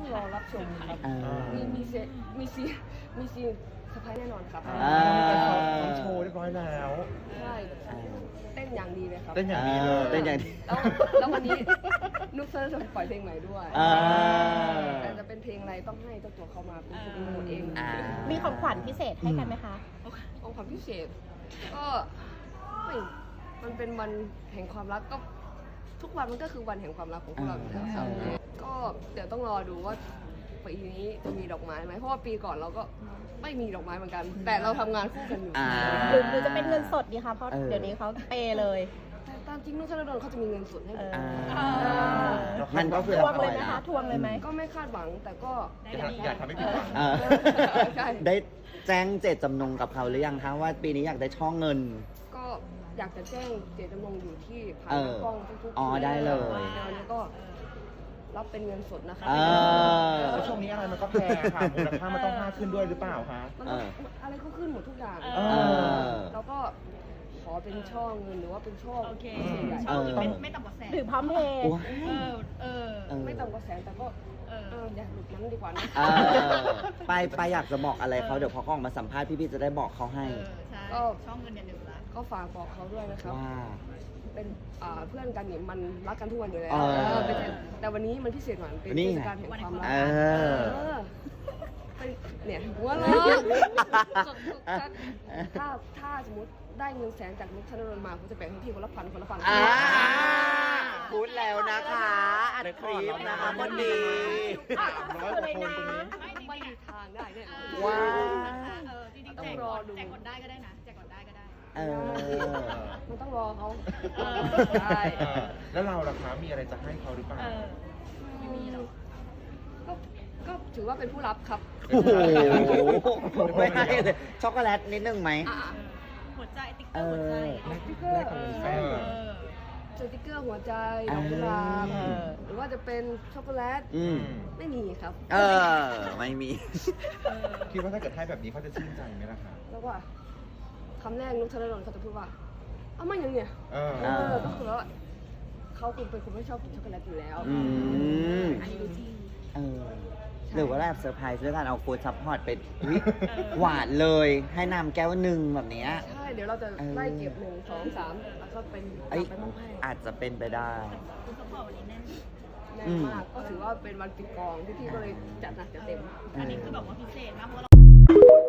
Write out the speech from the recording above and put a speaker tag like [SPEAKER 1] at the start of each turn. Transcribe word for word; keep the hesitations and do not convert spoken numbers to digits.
[SPEAKER 1] ต้องรอรับชมครับมีมีเซมีซีมีซีสไปแน่นอนครับ
[SPEAKER 2] ทำโชว์เรียบร้อยแล้ว
[SPEAKER 1] ใช่เต้นอย่างดีเลยครับ
[SPEAKER 2] เต้นอย่างดีเลย
[SPEAKER 3] เต้นอย่างดี
[SPEAKER 1] แล้วแล้ววันนี้นุ๊กเซอร์จะปล่อยเพลงใหม่ด้วยแต่จะเป็นเพลงอะไรต้องให้เจ้าตัวเขามาเป็นคนดูเอง
[SPEAKER 4] มีของขวัญพิเศษให้กันไหมคะ
[SPEAKER 1] ของขวัญพิเศษก็ไม่มันเป็นวันแห่งความรักก็ทุกวันมันก็คือวันแห่งความรักของพวกเราอยู่แล้วครับก็เดี๋ยวต้องรอดูว่าปีนี้จะมีดอกไม้ไหมเพราะว่าปีก่อนเราก็ไม่มีดอกไม้เหมือนกันแต่เราทำงานคู่กันอยู่
[SPEAKER 4] หรือหรือจะเป็นเงินสดดีคะเพราะเดี๋ยวนี้เขาเปย์เลย
[SPEAKER 1] แต่ตามจริงนุ๊กธนดลเขาจะมีเงินสดให้ผม
[SPEAKER 3] มันก็คือ
[SPEAKER 4] ทวงเลยไหมคะทวงเลยไหม
[SPEAKER 1] ก็ไม่คาดหวังแต่ก็
[SPEAKER 2] อยากทำให้ผิดหวัง
[SPEAKER 3] ได้แจ้งเจตจำนงกับเขาหรือยังคะว่าปีนี้อยากได้ช่องเงิน
[SPEAKER 1] ก็อยากจะแจ้งเจตจำนงอยู่ที่ผ่านกล้องทุกๆ
[SPEAKER 3] อ๋อได้เลย
[SPEAKER 1] แล้วก็รับเป็นเงินสดนะคะ
[SPEAKER 2] แล้วช่วงนี้อะไรมันก็แพงค่ะมูลค่ามันต้องมากขึ้นด้วยหรือเปล่าคะ
[SPEAKER 1] อะไรก็ขึ้นหมดทุกอย่างแล้วก็ขอเป็นช่อเงินหรือว่าเป็นช่อใหญ่
[SPEAKER 4] ไม่ต่ำกว่าแสนหรือพร้อมเพย์
[SPEAKER 1] ไม่ต่ำกว่าแสนแต่ก็อยากหลุดนั้นดีกว่านะ
[SPEAKER 3] ไปไปอยากจะบอกอะไรเขาเดี๋ยวพอเขาออกมาสัมภาษณ์พี่ๆจะได้บอกเขาให้
[SPEAKER 1] ก็ช่องเงินอย่าลืมละก็ฝากบอกเขาด้วยนะครับ
[SPEAKER 3] ว่า
[SPEAKER 1] เป็นเพื่อนกันเนี่ยมันรักกันทุกวันอยู่แล้วแต่วันนี้มันพิเศษหน่อยเป็นเทศกาลแห่งความรักเนี่ยหัวเราะถ้าถ้าสมมติได้เงินแสนจากนุ๊กธนดลมาผมจะแบ่งให้พี่คนละพันคนละพัน
[SPEAKER 3] พูดแล้วนะคะอัดคลิปนะคะคนดี
[SPEAKER 2] ร้อยกว่าคนตรงนี้
[SPEAKER 1] ไม่มีทางได้เนี่ย
[SPEAKER 3] ว้า
[SPEAKER 4] จริงๆต้องรอดูแจกก่อนได้ก็ได้นะแจกก่อนได้ก็ได้
[SPEAKER 1] เออมันต้องรอเขา
[SPEAKER 2] ใช่แล้วเราล่ะคะมีอะไรจะให้เขาหรือเปล่า
[SPEAKER 1] ไม่มีหรอกก็ก็ถือว่าเป็นผู้รับครับ
[SPEAKER 3] โอ้โหไม่ให้เลยช็อกโกแลตนิดนึงไหม
[SPEAKER 4] หัวใจติ๊กเกอร์หัวใจ
[SPEAKER 1] ติ๊กเกอร์สติ๊กเกอร์หัวใจดอกกุหลาบหรือว่าจะเป็นช็อกโกแลตไม่มีครับ
[SPEAKER 3] เออไม่มี
[SPEAKER 2] คิดว่าถ้าเกิดให้แบบนี้เขาจะชื่นใจไหมล่ะคะ
[SPEAKER 1] แล้วว่าคำแรกนุ๊กธนดลเขาจะพูดว่าเอามาอย่างเนี้ยเออก็คือว่าเขาคุณเป็นคนไม่ชอบกินช็อกโกแลตอยู่แล้วอันนี้ดูจริง
[SPEAKER 3] เออหรือว่าแบบเซอร์ไพรส์ด้วยการเอาฟู้ดซัพพอร์ตไปหวานเลยให้น้ำแก้วหนึ่งแบบนี้
[SPEAKER 1] ใช่เดี๋ยวเราจะไล่เก็บหนึ่งสองสามแล้วก็เป็นไปมอบให้
[SPEAKER 3] อาจจะเป็นไปได้
[SPEAKER 4] ฟู้ดซัพพอร์ตวันนี้แน่น
[SPEAKER 1] แน่นมากก็ถือว่าเป็นวันปิดกองที่พี่ก็เลยจัดหนักจัดเต็ม
[SPEAKER 4] อันนี้คือแบบว่าพิเศษมากเพราะเรา